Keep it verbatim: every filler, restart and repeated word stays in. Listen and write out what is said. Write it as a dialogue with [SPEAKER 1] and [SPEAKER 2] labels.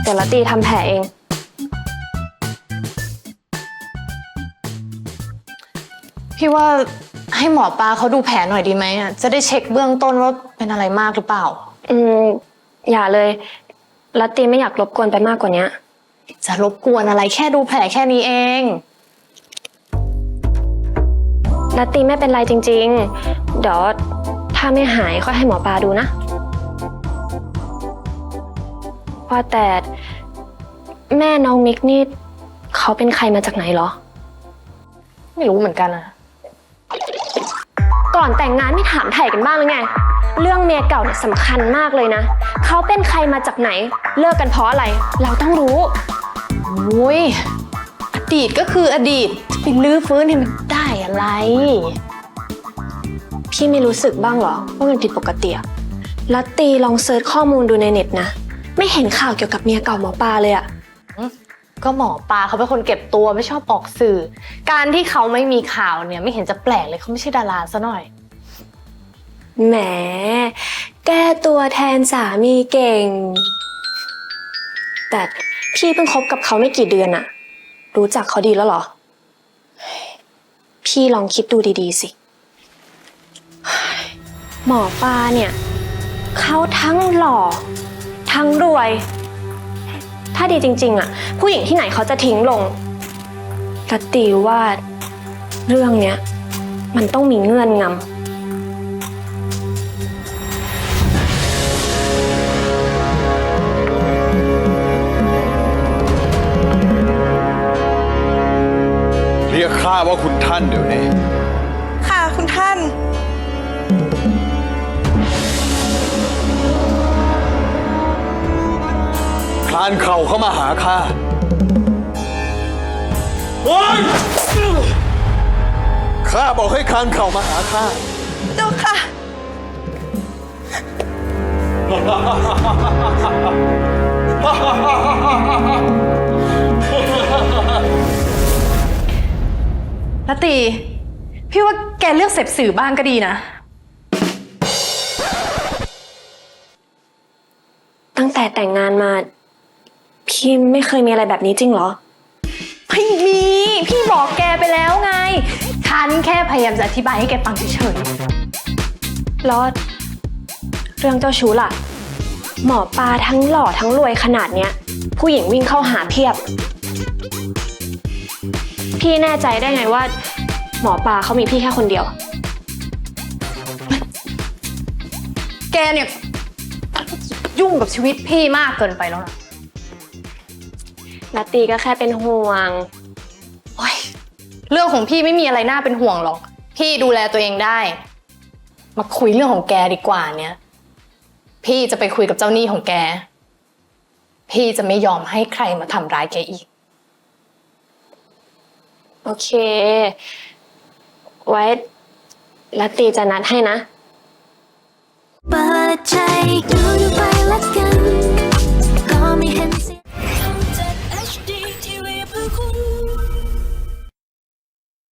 [SPEAKER 1] เดี๋ยวละตีทำแผลเอง
[SPEAKER 2] พี่ว่าให้หมอปลาเขาดูแผลหน่อยดีไหมอ่ะจะได้เช็คเบื้องต้นว่าเป็นอะไรมากหรือเปล่า
[SPEAKER 1] อืมอย่าเลยละตีไม่อยากรบกวนไปมากกว่านี้
[SPEAKER 2] จะรบกวนอะไรแค่ดูแผลแค่นี้เอง
[SPEAKER 1] ละตีไม่เป็นไรจริงๆเดี๋ยวถ้าไม่หายก็ให้หมอปลาดูนะว่าแต่แม่น้องมิกนี่เขาเป็นใครมาจากไหนเหรอ
[SPEAKER 2] ไม่รู้เหมือนกันอะ
[SPEAKER 1] ก่อนแต่งงานไม่ถามไถ่กันบ้างหรือไงเรื่องเมียเก่าเนี่ยสำคัญมากเลยนะเขาเป็นใครมาจากไหนเลิกกันเพราะอะไรเราต้องรู้
[SPEAKER 2] โอ้ยอดีตก็คืออดีตจะไปลื้อฟื้นให้มันได้อะไร
[SPEAKER 1] พี่ไม่รู้สึกบ้างเหรอว่ามันผิดปกติอะลัตตีลองเซิร์ชข้อมูลดูในเน็ตนะไม่เห็นข่าวเกี่ยวกับเมียเก่าหมอปลาเลยอะ
[SPEAKER 2] ก็หมอปลาเขาเป็นคนเก็บตัวไม่ชอบออกสื่อการที่เขาไม่มีข่าวเนี่ยไม่เห็นจะแปลกเลยเขาไม่ใช่ดาราซะหน่อย
[SPEAKER 1] แหมแก้ตัวแทนสามีเก่งแต่พี่เพิ่งคบกับเขาไม่กี่เดือนอะรู้จักเขาดีแล้วเหรอพี่ลองคิดดูดีๆสิหมอปลาเนี่ยเขาทั้งหล่อทั้งรวยถ้าดีจริงๆอะผู้หญิงที่ไหนเขาจะทิ้งลงลัตตีว่าเรื่องเนี้ยมันต้องมีเงื่อนงำ
[SPEAKER 3] เรียกข้าว่าคุณท่านเดี๋ยวนี้
[SPEAKER 4] ค่ะคุณท่าน
[SPEAKER 3] คลานเข่าเข้ามาหาข้าโอ๊ยข้าบอกให้คลานเข่ามาหาข้า
[SPEAKER 4] เจ้าค่ะ
[SPEAKER 2] ลตีพี่ว่าแกเลือกเสพสื่อบ้างก็ดีนะ
[SPEAKER 1] ตั้งแต่แต่งงานมาพี่ไม่เคยมีอะไรแบบนี้จริงเหรอ
[SPEAKER 2] ไม่มีพี่บอกแกไปแล้วไงฉันแค่พยายามจะอธิบายให้แกฟังเฉย
[SPEAKER 1] ๆแล้วเรื่องเจ้าชู้ล่ะหมอปลาทั้งหล่อทั้งรวยขนาดเนี้ยผู้หญิงวิ่งเข้าหาเพียบพี่แน่ใจได้ไงว่าหมอปลาเขามีพี่แค่คนเดียว
[SPEAKER 2] แกเนี่ยยุ่งกับชีวิตพี่มากเกินไปแล้วนะ
[SPEAKER 1] นัตตีก็แค่เป็นห่วง
[SPEAKER 2] โอ๊ยเรื่องของพี่ไม่มีอะไรน่าเป็นห่วงหรอกพี่ดูแลตัวเองได้มาคุยเรื่องของแกดีกว่าเนี่ยพี่จะไปคุยกับเจ้าหนี้ของแกพี่จะไม่ยอมให้ใครมาทำร้ายแกอีก
[SPEAKER 1] โอเคไว้นัตตีจะนัดให้นะ
[SPEAKER 5] เปิดใจดู